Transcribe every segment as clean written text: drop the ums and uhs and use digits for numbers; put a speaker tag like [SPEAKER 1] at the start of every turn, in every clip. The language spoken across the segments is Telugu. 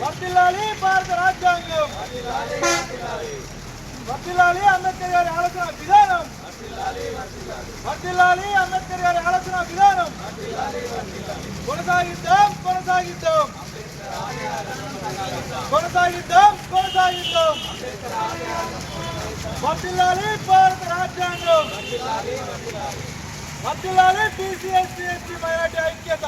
[SPEAKER 1] వర్ధిల్లాలి భారత రాజ్యాంగం, వర్ధిల్లాలి అంబేద్కర్ గారి ఆలోచన విధానం, వర్ధిల్లాలి అంబేద్కర్ గారి ఆలోచన విధానం. కొనసాగిద్దాం కొనసాగిద్దాం కొనసాగిద్దాం కొనసాగిద్దాం. వర్ధిల్లాలి భారత రాజ్యాంగం, వర్ధిల్లాలి బీసీ ఎస్సీ ఎస్టీ మైనారిటీ ఐక్యత.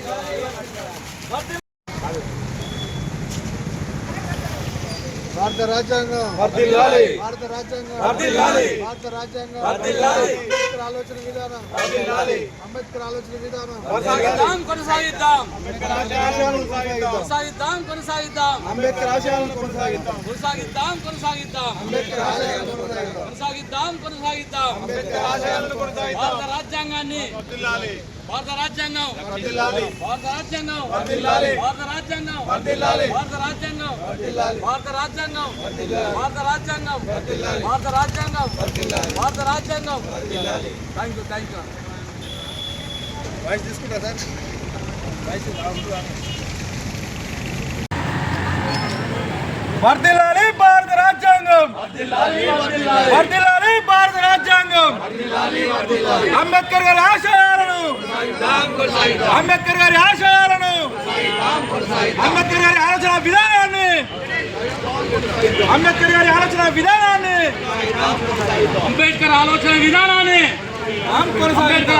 [SPEAKER 2] భారత రాజ్యాంగం
[SPEAKER 1] వర్ధిల్లాలి,
[SPEAKER 2] భారత రాజ్యాంగం
[SPEAKER 1] వర్ధిల్లాలి,
[SPEAKER 2] భారత రాజ్యాంగం
[SPEAKER 1] వర్ధిల్లాలి,
[SPEAKER 2] అంబేద్కర్ ఆలోచన విధానం
[SPEAKER 1] వర్ధిల్లాలి,
[SPEAKER 2] అంబేద్కర్ ఆలోచన విధానం
[SPEAKER 1] కొనసాగిద్దాం
[SPEAKER 3] కొనసాగిద్దాం
[SPEAKER 2] అంబేద్కర్ ఆశయాలను
[SPEAKER 3] కొనసాగిద్దాం కొనసాగిద్దాం
[SPEAKER 2] అంబేద్కర్ ఆశయాలను కొనసాగిద్దాం
[SPEAKER 3] కొనసాగిద్దాం కొనసాగిద్దాం
[SPEAKER 2] అంబేద్కర్ ఆశయాలను కొనసాగిద్దాం
[SPEAKER 3] కొనసాగిద్దాం కొనసాగిద్దాం
[SPEAKER 2] అంబేద్కర్ ఆశయాలను కొనసాగిద్దాం
[SPEAKER 3] భారత రాజ్యాంగాన్ని భారత రాజ్యాంగం
[SPEAKER 2] వర్ధిల్లాలి
[SPEAKER 3] భారత రాజ్యాంగం
[SPEAKER 2] వర్ధిల్లాలి
[SPEAKER 3] భారత రాజ్యాంగం
[SPEAKER 2] వర్ధిల్లాలి
[SPEAKER 3] భారత రాజ్యాంగం
[SPEAKER 2] వర్ధిల్లాలి
[SPEAKER 3] భారత రాజ్యాంగం భారత రాజ్యాంగం భారత రాజ్యాంగం భారత రాజ్యాంగం. థ్యాంక్ యూ
[SPEAKER 2] వాయిస్ తీసుకుంటా సార్
[SPEAKER 1] వర్ధిల్లాలి భారత రాజ్యాంగం, వర్ధిల్లాలి భారత రాజ్యాంగం. అంబేద్కర్ గారి ఆశయాలను, అంబేద్కర్ గారి ఆశయాలను, అంబేద్కర్ గారి ఆలోచన విధానాన్ని, అంబేద్కర్ గారి ఆలోచన విధానాన్ని,
[SPEAKER 3] అంబేద్కర్ ఆలోచన విధానాన్ని
[SPEAKER 1] కొనసాగిద్దాం.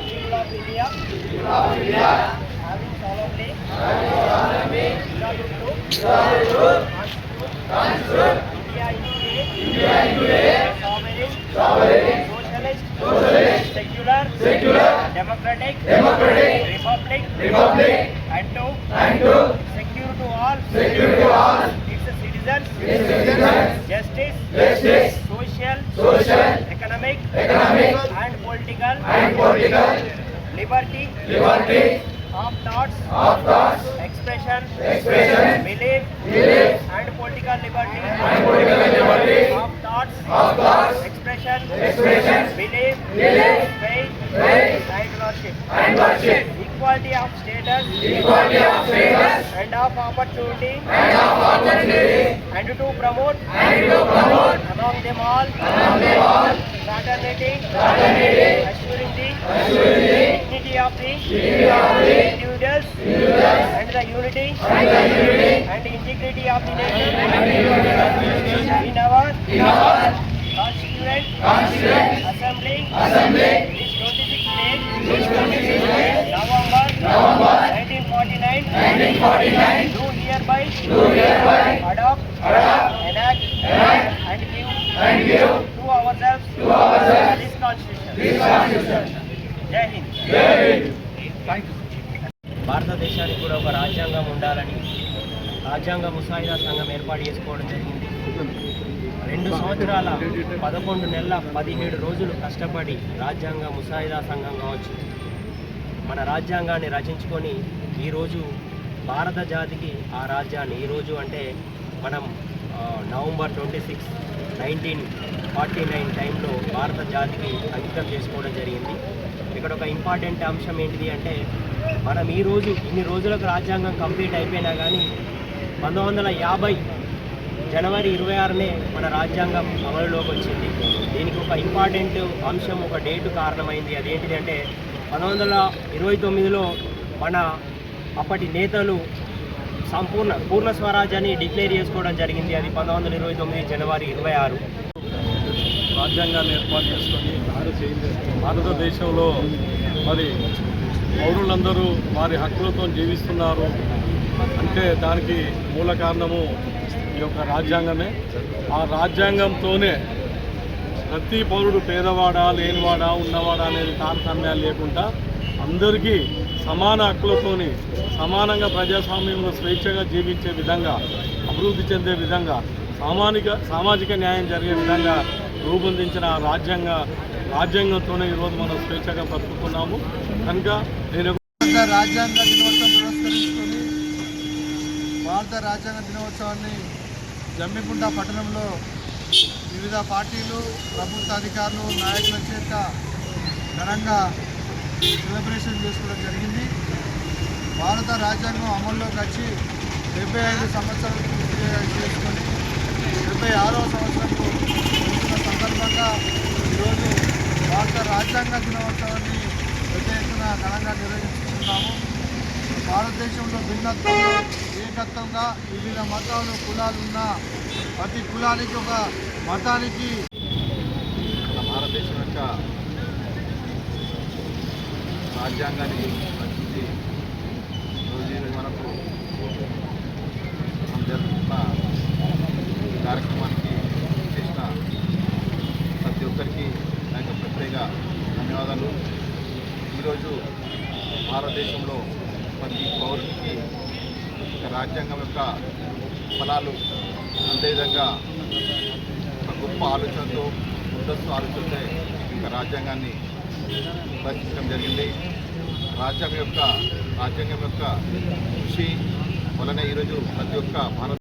[SPEAKER 4] Socialist, secular, democratic, republic, and to secure to all its citizens, justice, social, economic, and political liberty of thoughts, expression, belief, and political liberty of thoughts, expression, belief, faith, and worship. Equality of status, and of opportunity, and to promote among them all fraternity, assuring the dignity of the individuals and the unity and integrity of the nation in our Constituent Assembly which 26 days November 1949 do hereby adopt, enact and give to ourselves this Constitution. Jai Hind. భారతదేశానికి కూడా ఒక రాజ్యాంగం ఉండాలని రాజ్యాంగ ముసాయిదా సంఘం ఏర్పాటు చేసుకోవడం జరిగింది. 2 సంవత్సరాల 11 నెలల 17 రోజులు కష్టపడి రాజ్యాంగ ముసాయిదా సంఘం కావచ్చు మన రాజ్యాంగాన్ని రచించుకొని ఈరోజు భారత జాతికి ఆ రాజ్యాన్ని ఈరోజు అంటే మనం నవంబర్ 26, 1949 టైంలో భారత జాతికి అంకితం చేసుకోవడం జరిగింది. ఇక్కడ ఒక ఇంపార్టెంట్ అంశం ఏంటిది అంటే మనం ఈరోజు ఇన్ని రోజులకు రాజ్యాంగం కంప్లీట్ అయిపోయినా కానీ 1950 జనవరి 26నే మన రాజ్యాంగం అమలులోకి వచ్చింది. దీనికి ఒక ఇంపార్టెంట్ అంశం ఒక డేటు కారణమైంది. అదేంటిది అంటే 1929లో మన అప్పటి నేతలు పూర్ణ స్వరాజ్యాన్ని డిక్లేర్ చేసుకోవడం జరిగింది. అది 1929 జనవరి 26.
[SPEAKER 5] రాజ్యాంగాన్ని ఏర్పాటు చేసుకొని భారతదేశంలో మరి పౌరులందరూ వారి హక్కులతో జీవిస్తున్నారు అంటే దానికి మూల కారణము ఈ యొక్క రాజ్యాంగమే. ఆ రాజ్యాంగంతోనే ప్రతి పౌరుడు పేదవాడా లేనివాడా ఉన్నవాడా అనేది తారతమ్యాలు లేకుండా అందరికీ సమాన హక్కులతోని సమానంగా ప్రజాస్వామ్యంలో స్వేచ్ఛగా జీవించే విధంగా అభివృద్ధి చెందే విధంగా సామాజిక న్యాయం జరిగే విధంగా రూపొందించిన రాజ్యాంగంతోనే ఈరోజు మనం స్వేచ్ఛగా బతుకుతున్నాము. కనుక నేను
[SPEAKER 2] రాజ్యాంగ దినోత్సవం పురస్కరించుకొని భారత రాజ్యాంగ దినోత్సవాన్ని జమ్మిగుంట పట్టణంలో వివిధ పార్టీలు ప్రభుత్వ అధికారులు నాయకుల చేత ఘనంగా సెలబ్రేషన్ చేసుకోవడం జరిగింది. భారత రాజ్యాంగం అమల్లోకి వచ్చి 75 సంవత్సరాలు పూర్తి చేసుకొని 76వ సంవత్సరంలో వస్తున్న సందర్భంగా ఈరోజు భారత రాజ్యాంగ దినోత్సవాన్ని పెద్ద ఎత్తున ఘనంగా నిర్వహిస్తున్నాము. భారతదేశంలో భిన్నత్వంలో ఏకత్వంగా వివిధ మతాలు కులాలు ఉన్న ప్రతి కులానికి ఒక మతానికి
[SPEAKER 6] మన భారతదేశం యొక్క రాజ్యాంగాన్ని రచించి రోజు మనకు మనం జరుపుకున్న కార్యక్రమానికి చేసిన ప్రతి ఒక్కరికి నా యొక్క ప్రత్యేక ధన్యవాదాలు. ఈరోజు భారతదేశంలో ప్రతి పౌరునికి రాజ్యాంగం యొక్క ఫలాలు అదేవిధంగా ఒక గొప్ప ఆలోచనతో ముందస్తు ఆలోచనతో ఇంకా రాజ్యాంగాన్ని రచించడం జరిగింది. రాజ్యాంగం యొక్క కృషి వలన ఈరోజు ప్రతి ఒక్క భారత